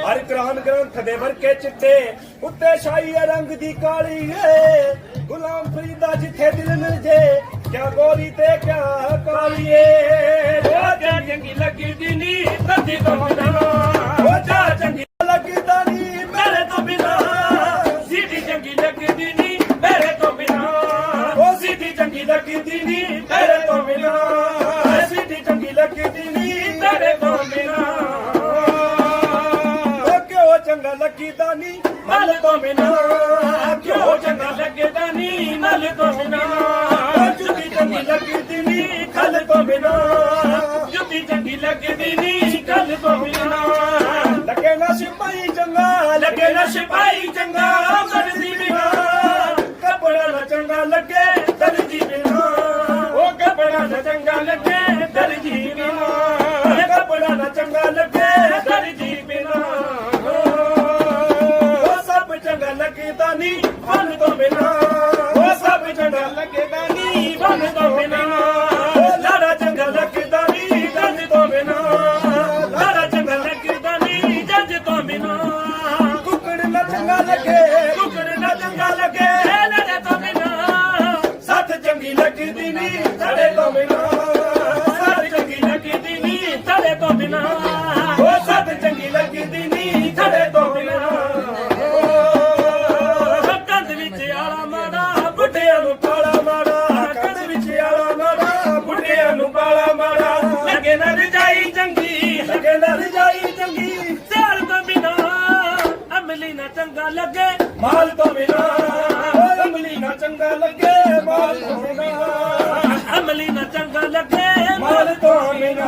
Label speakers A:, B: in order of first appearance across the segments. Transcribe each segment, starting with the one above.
A: हर कुरान ग्रंथ दे वर्के चिट्टे उत्ते शाही रंग दी काली है गुलाम फरीदा जिथे दिल मिल जे क्या गोरी ते क्या काली है क्या चंगी लगी दी नी तदी तो बिना ओ जा चंगी लगी दा नी मेरे तो बिना सीधी चंगी लगी दी नी मेरे तो बिना ओ सीधी चंगी लगी दी नी मेरे तो बिना सीधी चंगी लगी दी नी मेरे तो बिना चंगा लगी दानी मल तो बिना क्यों चंगा लगे दानी मल तो बिना जुदी चंगी लगी दीनी खल तो बिना जुदी चंगी लगी दीनी खल तो बिना लगे ना सिपाही चंगा लगे ना सिपाही चंगा दर्जी बिना कपड़ा ना चंगा लगे दर्जी बिना ओ कपड़ा ना चंगा लगे दर्जी बिना कपड़ा ना चंगा लगे दर्जी बिना लगेदा नी बन तो बिना वो सब चंगा लगेदा नी बन तो बिना लाड़ा चंगा लगेदा नी जज तो बिना लाड़ा चंगा लगेदा नी जज तो बिना कुकड़ न चंगा लगे कुकड़ न चंगा लगे लड़े तो बिना साथ चंगी लगदी नी लड़े तो बिना साथ चंगी लगदी नी लड़े तो बिना वो साथ चंगी लगदी नी लड़े तो बिना चंगा लगे माल तो बिना अमली ना चंगा लगे माल तो बिना अमली ना चंगा लगे माल तो बिना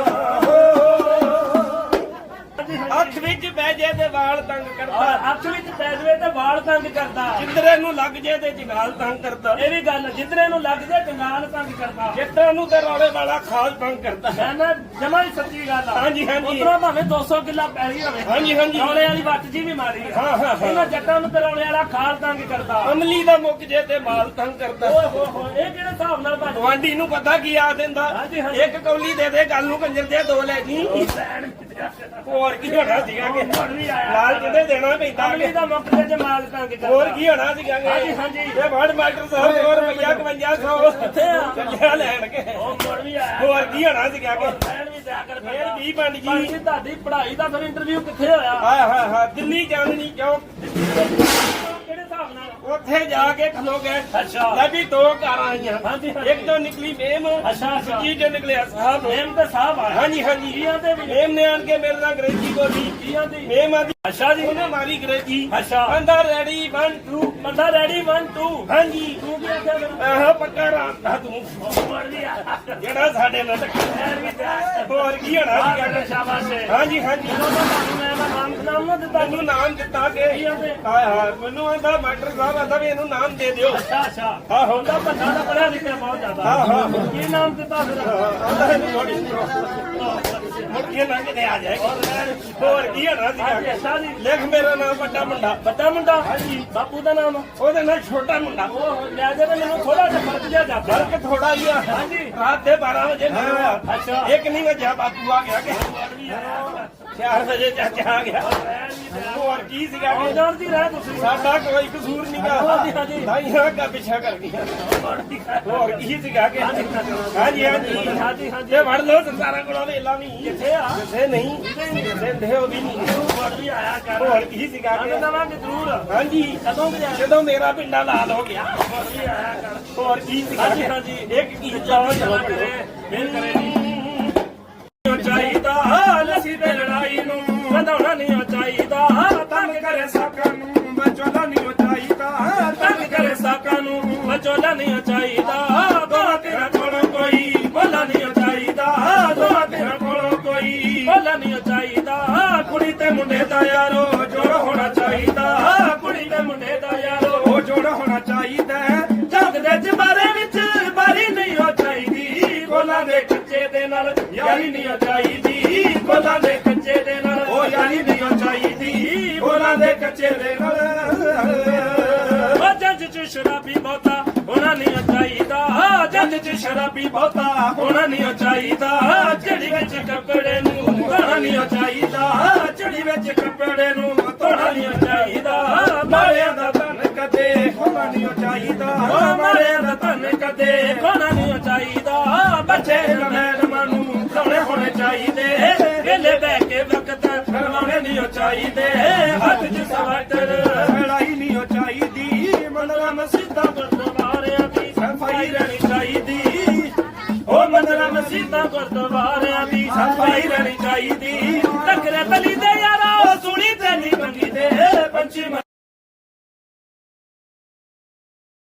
A: अख विच पै जे ते वाल तंग करदा अख विच पै जवे ते वाल तंग करदा जिंदरे नूं लग जे ते जंगाल तंग करदा ए वी गल जिंदरे नूं लग जे जंगाल तंग करदा जिੱਦਾਂ ਨੂੰ ਤੇ ਰੌਲੇ ਵਾਲਾ ਖਾਸ ਤੰਗ ਕਰਦਾ ਹੈ ਨਾ ਜਮਾ ਹੀ ਸੱਚੀ ਗੱਲ ਆ ਹਾਂਜੀ ਹਾਂਜੀ ਉਤਰਾ ਭਾਵੇਂ 200 ਕਿੱਲਾ ਪੈਲੀ ਹੋਵੇ ਹਾਂਜੀ ਹਾਂਜੀ ਰੌਲੇ ਵਾਲੀ ਵੱਟ ਜੀ ਵੀ ਮਾਰੀ ਹਾਂ ਹਾਂ ਇਹਨਾਂ ਜੱਟਾਂ ਨੂੰ ਤੇ ਰੌਲੇ ਵਾਲਾ ਖਾਲ ਤੰਗ ਕਰਦਾ ਅਮਲੀ ਦਾ ਮੁੱਕ ਜੇ ਤੇ ਮਾਲ ਤੰਗ ਕਰਦਾ ਓਏ ਹੋ ਹੋ ਇਹ ਕਿਹੜੇ ਹਿਸਾਬ ਨਾਲ ਗਵਾਂਢੀ ਨੂੰ ਪਤਾ ਕੀ ਆ ਦਿੰਦਾ ਇੱਕ ਕੌਲੀ ਦੇ ਦੇ ਗੱਲ ਨੂੰ ਕੰਜਰ ਦੇ ਦੋ ਲੈ ਜੀ ਹੋਰ ਕੀ ਹੋਣਾ ਸੀਗਾ ਕਿ ਲਾਲ ਕਿਤੇ ਦੇਣਾ ਪੈਂਦਾ ਅਮਲੀ ਦਾ ਮੁੱਕ ਜੇ ਮਾਲ ਤੰਗ ਕਰਦਾ ਹੋਰ ਕੀ ਹੋਣਾ ਸੀਗਾ ਹਾਂਜੀ ਹਾਂਜੀ ਇਹ ਵੜ ਮਾਸਟਰ ਸਾਹਿਬ ਹੋਰ ਰੁਪਈਆ 5500 ਕਿੱਥੇ ਆ ਚੱਲਿਆ ਲੈਣ ਕੇ ਉਹ ਮੁੜ ਵੀ ਆਇਆ ਹੋਰ ਕੀ ਹੋਣਾ ਸੀਗਾ ਕਿ ਲੈਣ ਵੀ ਜਾ ਕਰ ਫੇਰ ਵੀ ਬਣ ਗਈ ਤੁਹਾਡੀ ਪੜ੍ਹਾਈ ਦਾ ਫਿਰ ਇੰਟਰਵਿਊ ਕਿੱਥੇ ਹੋਇਆ ਹਾਂ ਹਾਂ ਦਿੱਲੀ ਚਾਂਦਨੀ ਚੌਕ ਕਿਹੜੇ ਹਿਸਾਬ ਨਾਲ ਉੱਥੇ ਜਾ ਕੇ ਖਲੋ ਗਏ ਅੱਛਾ ਲੈ ਵੀ ਦੋ ਕਾਰਾਂ ਆਈਆਂ ਹਾਂਜੀ ਇੱਕ ਤੋਂ ਨਿਕਲੀ ਮੇਮ ਅੱਛਾ ਦੂਜੀ ਤੋਂ ਨਿਕਲਿਆ ਸਾਹਿਬ ਮੇਮ ਤੇ ਸਾਹਿਬ ਆ ਹਾਂਜੀ ਹਾਂਜੀ ਜੀਆਂ ਤੇ ਵੀ ਮੇਮ ਨੇ ਆਣ ਕੇ ਮੇਰੇ ਨਾਲ ਅੰਗਰੇਜ਼ੀ ਬੋਲੀ ਜੀਆਂ ਦੀ ਮੇਮ ਆ ਅੱਛਾ ਜੀ ਉਹਨੇ ਮਾਰੀ ਅੰਗਰੇਜ਼ੀ ਅੱਛਾ ਬੰਦਾ ਰੈਡੀ 1 2 ਬੰਦਾ ਰੈਡੀ 1 2 ਹਾਂਜੀ ਤੂੰ ਕੀ ਆਖਿਆ ਮੈਨੂੰ ਆਹ ਪੱਕਾ ਰਾਤਾ ਤੂੰ ਜਿਹੜਾ ਸਾਡੇ ਨਾਲ ਹੋਰ ਕੀ ਹੋਣਾ ਸੀ ਸ਼ਾਬਾਸ਼ ਹਾਂਜੀ ਹਾਂਜੀ ਮੈਨੂੰ ਨਾਮ ਦਿੱਤਾ ਕਿ ਹਾਏ ਹਾਏ ਮੈਨੂੰ ਆਂਦਾ ਮਾਸਟਰ ਸਾਹਿਬ ਆਂਦਾ ਵੀ ਇਹਨੂੰ ਨਾਮ ਦੇ ਦਿਓ ਅੱਛਾ ਅੱਛਾ ਹਾਂ ਹੁੰਦਾ ਬੰਦਾ ਦਾ ਪੜਿਆ ਲਿਖਿਆ ਬਹੁਤ ਜ਼ਿਆਦਾ ਹਾਂ ਹਾਂ ਕੀ ਨਾਮ ਦਿੱਤਾ ਫਿਰ ਆਂਦਾ ਇਹਨੂੰ ਥੋੜੀ ਮੁੱਠੀ ਲੰਘ ਕੇ ਆ ਜਾਏਗੀ ਹੋਰ ਕੀ ਹੋਣਾ ਸੀ ਅੱਛਾ ਜੀ ਲਿਖ ਮੇਰਾ ਨਾਮ ਵੱਡਾ ਮੁੰਡਾ ਹਾਂਜੀ ਬਾਪੂ ਦਾ ਨਾਮ ਉਹਦੇ ਨਾਲ ਛੋਟਾ ਮੁੰਡਾ ਉਹ ਲੈ ਜੇ ਮੈਨੂੰ ਥੋੜਾ ਜਿਹਾ ਫਰਕ ਜਿਹਾ ਜਾਂਦਾ ਫਰਕ ਥੋੜਾ ਜਿਹਾ ਹਾਂਜੀ ਰਾਤ ਦੇ 12 ਵਜੇ ਅੱਛਾ ਇੱਕ ਨਹੀਂ ਵਜਿਆ ਬਾਪੂ ਆ ਗਿਆ ਕਿ 4 ਵਜੇ ਚਾਚਾ ਆ ਗਿਆ ਹੋਰ ਕੀ ਸੀਗਾ ਜਾਣਦੀ ਰਹਿ ਤੁਸੀਂ ਸਾਡਾ ਕੋਈ ਕਸੂਰ ਨਹੀਂਗਾ ਹਾਂਜੀ ਹਾਂਜੀ ਦਾਈਆਂ ਅੱਗਾ ਪਿੱਛਾ ਕਰ ਗਈਆਂ ਹੋਰ ਕੀ ਸੀਗਾ ਕਿ ਹਾਂਜੀ ਹਾਂਜੀ ਹਾਂਜੀ ਹਾਂਜੀ ਵੜ ਲੋ ਸੰਸਾਰਾਂ ਕੋਲੋਂ ਵੇਲਾ ਨਹੀਂ ਕਿੱਥੇ ਆ ਕਿੱਥੇ ਨਹੀਂ ਦਿੰਦੇ ਉਹ ਵੀ ਨਹੀਂ ਵੜ ਵੀ ਆਇਆ ਕਰ ਹੋਰ ਕੀ ਸੀਗਾ ਕਿ ਦਵਾਂਗੇ ਜ਼ਰੂਰ ਹਾਂਜੀ ਜਦੋਂ ਮੇਰਾ ਪਿੰਡਾ ਲਾਲ ਹੋ ਗਿਆ ਵੜ ਵੀ ਆਇਆ ਕਰ ਹੋਰ ਕੀ ਸੀਗਾ ਹਾਂਜੀ ਹਾਂਜੀ ਇੱਕ ਕੀ ਚਾਹ ਕਰੇ ਮਿਲ ਕਰੇ ਚਾਹੀਦਾ ਲਸੀ ਤੇ ਲੜਾਈ ਨੂੰ ਵਧਾਉਣਾ ਨਹੀਂ ਚਾਹੀਦਾ ਤੰਗ ਕਰੇ ਸਾਕਾਂ ਨੂੰ ਬਚੋਲਾ ਨਹੀਂ ਚਾਹੀਦਾ ਤੰਗ ਕਰੇ ਸਾਕਾਂ ਨੂੰ ਬਚੋਲਾ ਨਹੀਂ ਚਾਹੀਦਾ ਦੋਹਾਂ ਤੇਰਾ ਕੋਲੋਂ ਕੋਈ ਬੋਲਾ ਨਹੀਂ ਚਾਹੀਦਾ ਦੋਹਾਂ ਤੇਰਾ ਕੋਲੋਂ ਕੋਈ ਬੋਲਾ ਨਹੀਂ ਚਾਹੀਦਾ ਕੁੜੀ ਤੇ ਮੁੰਡੇ ਦਾ ਯਾਰੋ ਜੋੜ ਹੋਣਾ ਚਾਹੀਦਾ ਕੁੜੀ ਤੇ ਮੁੰਡੇ ਦਾ ਯਾਰੋ ਜੋੜ ਹੋਣਾ ਚਾਹੀਦਾ ਜੱਗ ਦੇ ਜਮਾਰੇ ਵਿੱਚ ਬਾਰੀ ਨਹੀਂ ਹੋ ਚਾਹੀਦੀ ਕੋਲਾਂ ਦੇ ਕੱਚੇ ਦੇ ਨਾਲ ਯਾਰੀ ਨਹੀਂ ਚਾਹੀਦੀ ਕੋਲਾਂ ਦੇ ਕੱਚੇ ਦੇ ਨਾਲ ਉਹ ਯਾਰੀ ਨਹੀਂ ਚਾਹੀਦੀ ਕੋਲਾਂ ਦੇ ਕੱਚੇ ਦੇ ਨਾਲ ਜੱਜ ਚ ਸ਼ਰਾਬੀ ਬਹੁਤਾ ਹੋਣਾ ਨਹੀਂ ਚਾਹੀਦਾ ਜੱਜ ਚ ਸ਼ਰਾਬੀ ਬਹੁਤਾ ਹੋਣਾ ਨਹੀਂ ਚਾਹੀਦਾ ਚੜੀ ਵਿੱਚ ਕੱਪੜੇ ਨੂੰ ਹੋਣਾ ਨਹੀਂ ਚਾਹੀਦਾ ਚੜੀ ਵਿੱਚ ਕੱਪੜੇ ਦੇ ਖਾਣਾ ਨਹੀਂ ਚਾਹੀਦਾ ਬੱਚੇ ਮੈਡਮਾਂ ਨੂੰ ਲਾਉਣੇ ਹੋਣੇ ਚਾਹੀਦੇ ਵੇਲੇ ਬਹਿ ਕੇ ਵਕਤ ਲਾਉਣੇ ਨਹੀਂ ਚਾਹੀਦੇ ਹੱਥ 'ਚ ਸਵਾਟਰ ਲੜਾਈ ਨਹੀਂ ਚਾਹੀਦੀ ਮੰਦਰਾਂ ਮਸਜਿਦਾਂ ਗੁਰਦੁਆਰਿਆਂ ਦੀ ਸਫਾਈ ਰਹਿਣੀ ਚਾਹੀਦੀ ਉਹ ਮੰਦਰਾਂ ਮਸਜਿਦਾਂ ਗੁਰਦੁਆਰਿਆਂ ਦੀ ਸਫਾਈ ਰਹਿਣੀ ਚਾਹੀਦੀ